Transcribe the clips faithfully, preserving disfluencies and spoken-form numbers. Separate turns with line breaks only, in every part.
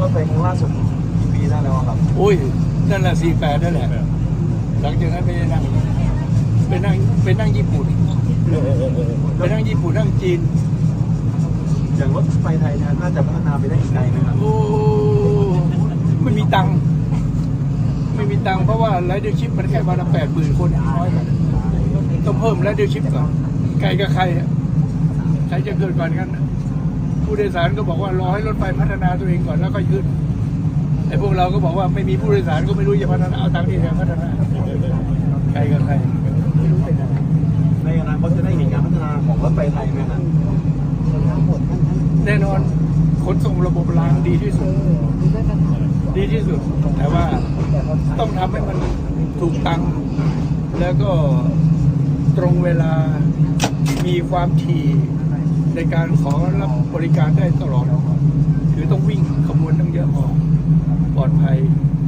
ถไฟครั้งล่าสุดกี่ปีได้แล้วครับ
โอ้ยนั่นแหละสี่แปดนั่นแหละหลังจากนั้นไปนั่งไปนั่งไปนั่งญี่ปุ่นไปนั่งญี่ปุ่นนั่งจีน
อย่างรถไฟไทยเนี่ยน่าจะพัฒนาไปได้อีกไกลไหมครับ
โอ้ไม่มีตังค์ไม่มีตังค์เพราะว่าไรเดอร์ชิพมันแค่วันละแปดหมื่นคนน้อยต้องเพิ่มไรเดอร์ชิพก่อนใครกับใครใครจะเกิดก่อนกันผู้โดยสารก็บอกว่ารอให้รถไฟพัฒนาตัวเองก่อนแล้วก็ขึ้นไอ้พวกเราก็บอกว่าไม่มีผู้โดยสารก็ไม่รู้จะพัฒนาเอาตังค์ที่ไหนพัฒนาใครกับใครไม่รู้เป็นอะไร
ในอนาคตจะได้เห็นการพัฒนาของรถไฟไทยไหมครับ
แน่นอนขนส่งระบบรางดีที่สุดดีที่สุดแต่ว่าต้องทำให้มันถูกตังค์แล้วก็ตรงเวลามีความถี่ในการขอรับบริการได้ตลอดคือต้องวิ่งขบวนตั้งเยอะพอปลอดภัย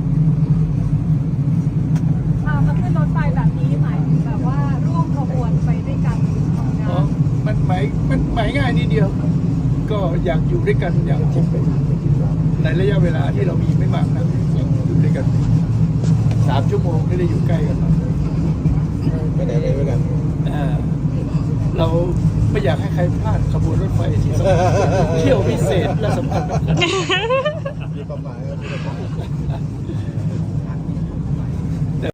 มาขึ้นรถไฟแบบนี้หมายถึงแบบว่าร่วมขบวนไปด้วยกัน
อ๋อมันหมายมันหมายง่ายนิดเดียวก็อยากอยู่ด้วยกันอย่างจริงในระยะเวลาที่เรามีไม่มากนะอยู่ด้วยกันสามชั่วโมงไม่ได้อยู่ใกล้กัน
ไม่ได้เลยด้วยกัน
เราไม่อยากให้ใครพลาดขบวนรถไฟที่สำคัญเที่ยวพิเศษและสำคัญ